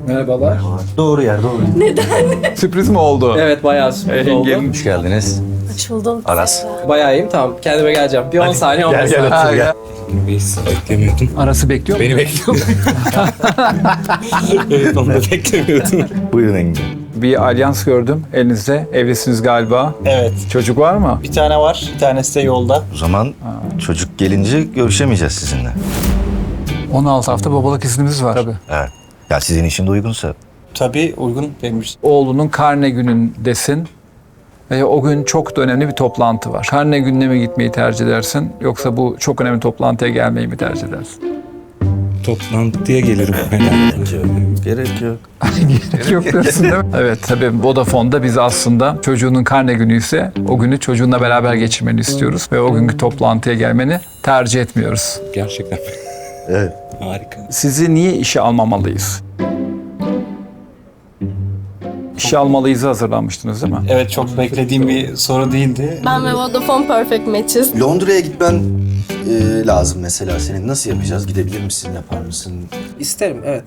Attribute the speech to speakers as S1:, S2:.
S1: Merhabalar.
S2: Doğru yer, doğru.
S3: Sürpriz mi oldu?
S1: Evet, bayağı sürpriz oldu.
S2: Hoş geldiniz.
S4: Hoş buldum.
S2: Aras.
S1: Bayağı iyiyim, tamam. Kendime geleceğim. Bir 10 saniye, 15
S2: Gel
S1: saniye.
S2: otur gel.
S5: Beklemiyordum.
S3: Arası bekliyor mu?
S5: Beni bekliyordum. Evet, onu da beklemiyordum.
S2: Buyurun Engin.
S3: Bir alyans gördüm elinizde. Evlisiniz galiba.
S6: Evet.
S3: Çocuk var mı?
S6: Bir tane var. Bir tanesi de yolda.
S2: O zaman çocuk gelince görüşemeyeceğiz sizinle.
S3: 16 hafta babalık iznimiz var. Tabii.
S2: Evet. Ya sizin için de uygunsa.
S6: Tabii uygun benim için.
S3: Oğlunun karne günündesin. Ve o gün çok da önemli bir toplantı var. Karne gününe mi gitmeyi tercih edersin? Yoksa bu çok önemli toplantıya gelmeyi mi tercih edersin?
S5: Toplantıya gelirim herhalde.
S2: Gerek yok.
S3: Gerek yok diyorsun değil mi? Evet, tabii Vodafone'da biz aslında çocuğunun karne günü ise o günü çocuğunla beraber geçirmeni istiyoruz. Ve o günkü toplantıya gelmeni tercih etmiyoruz.
S5: Gerçekten.
S2: Evet.
S5: Harika.
S3: Sizi niye işe almamalıyız? İşe almalıyız hazırlanmıştınız değil mi?
S6: Evet, çok beklediğim bir soru değildi.
S4: Ben ve Vodafone Perfect Matches.
S7: Londra'ya gitmen lazım mesela senin. Nasıl yapacağız? Gidebilir misin? Yapar mısın?
S1: İsterim, evet.